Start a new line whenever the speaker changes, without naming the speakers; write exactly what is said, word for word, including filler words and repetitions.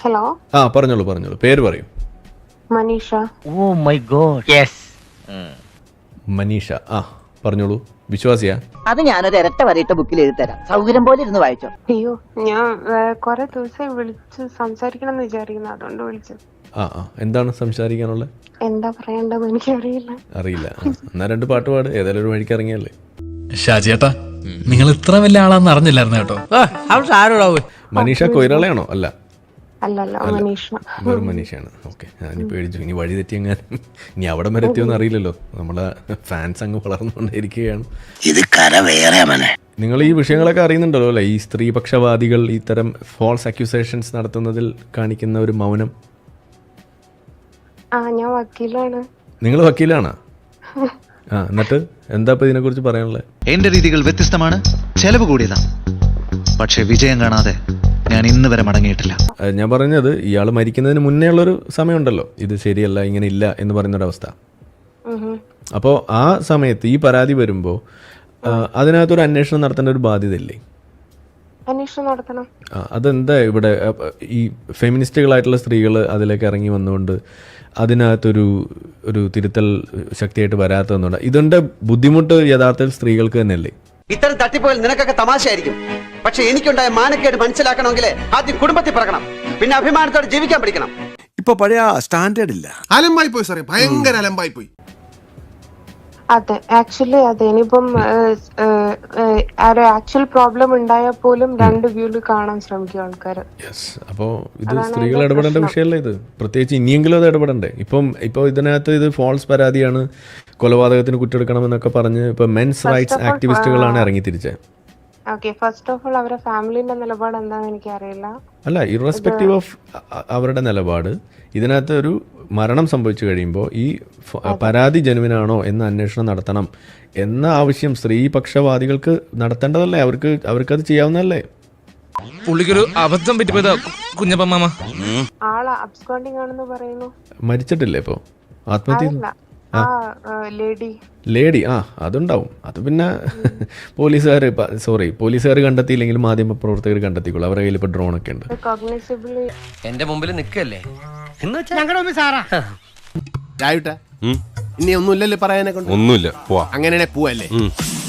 Hello.
ആ പറഞ്ഞോളൂ പറഞ്ഞോളൂ, പേര് പറയൂ.
Manisha.
Oh my God. Yes.
Manisha. ആ പറഞ്ഞോളൂ. വിശ്വാസിയാ?
അത് ഞാനൊരു ഇരട്ട വരയിട്ട ബുക്കിൽ എഴുതരാം, സൗകര്യം പോലെ ഇരുന്ന് വായിച്ചോ.
അയ്യോ, ഞാൻ കൊറേ ദിവസമായി വിളിച്ച് സംസാരിക്കണം എന്ന് വിചാരിക്കുന്നു, അതുകൊണ്ട് വിളിച്ചു.
ആ ആ എന്താണ് സംസാരിക്കാനുള്ളത്?
എന്താ പറയണ്ടെന്ന് എനിക്കറിയില്ല.
അറിയില്ല. എന്നാ രണ്ട് പാട്ട് പാട്, ഏതായാലും ഒരു വഴിക്ക് ഇറങ്ങിയല്ലേ.
ഷാജിയേട്ടാ, നിങ്ങൾ ഇത്ര വലിയ ആളാന്ന് അറിഞ്ഞില്ലായിരുന്നു കേട്ടോ.
മനീഷ കൊയിരാളയാണോ? അല്ല
അല്ലല്ല, മനീഷ.
വെറും മനീഷയാണ്. ഓക്കെ, ഞാനി പേടിച്ചു ഇനി വഴി തെറ്റിയെങ്ങാനും ഇനി അവിടെ വരെ എത്തിയോന്ന് അറിയില്ലല്ലോ. നമ്മളെ ഫാൻസ് അങ്ങ് വളർന്നുകൊണ്ടിരിക്കുകയാണ്.
ഇത് കര വേറെ മനെ.
നിങ്ങൾ ഈ വിഷയങ്ങളൊക്കെ അറിയുന്നുണ്ടല്ലോ അല്ലേ? ഈ സ്ത്രീപക്ഷവാദികൾ ഇത്തരം ഫോൾസ് അക്യൂസേഷൻസ് നടത്തുന്നതിൽ കാണിക്കുന്ന ഒരു മൗനം.
ആ, ഞാൻ വക്കീലാണ്.
നിങ്ങൾ വക്കീലാണോ? ആ, എന്നിട്ട് എന്താ ഇപ്പൊ ഇതിനെ കുറിച്ച് പറയാനുള്ളത്?
എന്റെ രീതികൾ വ്യത്യസ്തമാണ്, ചെലവ് കൂടിയതാണ്. പക്ഷെ വിജയം കാണാതെ ഞാൻ ഇന്ന് വരെ മടങ്ങിയിട്ടില്ല.
ഞാൻ പറഞ്ഞത് ഇയാൾ മരിക്കുന്നതിന് മുന്നേ ഉള്ളൊരു സമയമുണ്ടല്ലോ, ഇത് ശരിയല്ല, ഇങ്ങനെ ഇല്ല എന്ന് പറയുന്നൊരവസ്ഥ. അപ്പോൾ ആ സമയത്ത് ഈ പരാതി വരുമ്പോൾ അതിനകത്തൊരു അന്വേഷണം നടത്തേണ്ട ഒരു ബാധ്യത ഇല്ലേ?
അന്വേഷണം നടത്തണം.
അതെന്താ ഇവിടെ ഈ ഫെമിനിസ്റ്റുകളായിട്ടുള്ള സ്ത്രീകൾ അതിലേക്ക് ഇറങ്ങി വന്നുകൊണ്ട് അതിനകത്തൊരു ഒരു തിരുത്തൽ ശക്തിയായിട്ട് വരാത്തതെന്നുണ്ട്. ഇതിൻ്റെ ബുദ്ധിമുട്ട് യഥാർത്ഥത്തിൽ സ്ത്രീകൾക്ക് തന്നെയല്ലേ?
ഇത്തരം തട്ടിപ്പോയാൽ നിനക്കൊക്കെ തമാശയായിരിക്കും, പക്ഷെ എനിക്കുണ്ടായ മാനക്കേട് മനസ്സിലാക്കണമെങ്കിൽ ആദ്യം കുടുംബത്തിൽ പിറക്കണം, പിന്നെ അഭിമാനത്തോടെ ജീവിക്കാൻ പഠിക്കണം.
ഇപ്പൊ പഴയ സ്റ്റാൻഡേർഡ് ഇല്ല, അലമ്പായി പോയി സാറേ, ഭയങ്കര അലമ്പായി പോയി.
അതെ, ആക്ച്വലി അതെ. ഇനിയിപ്പം ആക്ച്വൽ പ്രോബ്ലം ഉണ്ടായാൽ പോലും രണ്ട് വ്യൂല് കാണാൻ ശ്രമിക്കും ആൾക്കാര്.
യെസ്. അപ്പോൾ ഇത് സ്ത്രീകൾ ഇടപെടേണ്ട വിഷയമല്ല ഇത്, പ്രത്യേകിച്ച് ഇനിയെങ്കിലും അത് ഇടപെടണ്ടേ. ഇപ്പം ഇപ്പോൾ ഇതിനകത്ത് ഇത് ഫോൾസ് പരാതിയാണ്, കൊലപാതകത്തിന് കുറ്റെടുക്കണമെന്നൊക്കെ പറഞ്ഞ് ഇപ്പൊ മെൻസ് റൈറ്റ്സ് ആക്ടിവിസ്റ്റുകളാണ് ഇറങ്ങി തിരിച്ചത്.
ഓക്കെ, ഫസ്റ്റ് ഓഫ് ഓൾ അവരുടെ ഫാമിലിന്റെ നിലപാട് എന്താണെന്ന് എനിക്കറിയില്ല.
അല്ല, ഇറസ്പെക്റ്റീവ് ഓഫ് അവരുടെ നിലപാട്, ഇതിനകത്ത് ഒരു മരണം സംഭവിച്ചു കഴിയുമ്പോൾ ഈ പരാതി ജനുവിനാണോ എന്ന് അന്വേഷണം നടത്തണം എന്ന ആവശ്യം സ്ത്രീപക്ഷവാദികൾക്ക് നടത്തേണ്ടതല്ലേ? അവർക്ക് അവർക്കത് ചെയ്യാവുന്നതല്ലേ?
പുള്ളിക്കൊരു അബദ്ധം പറ്റിപ്പോയതാ കുഞ്ഞപ്പ മാമ.
ആള് അബ്സ്കോണ്ടിങ് ആണെന്ന് പറയുന്നു.
മരിച്ചിട്ടില്ലേ ഇപ്പോ? ആത്മഹത്യ?
ലേഡി
ലേഡി ആ അതുണ്ടാവും. അത് പിന്നെ പോലീസുകാർ സോറി പോലീസുകാർ കണ്ടെത്തിയില്ലെങ്കിൽ മാധ്യമ പ്രവർത്തകർ കണ്ടെത്തിക്കോളൂ. അവരുടെ കയ്യിൽ ഇപ്പൊ ഡ്രോൺ ഒക്കെ ഉണ്ട്.
എന്റെ മുമ്പിൽ നിൽക്കല്ലേ
ഇനി ഒന്നുമില്ലല്ലേ പറയാനെ കൊണ്ട്?
ഒന്നുമില്ല, പോവാ.
അങ്ങനെ പോവല്ലേ?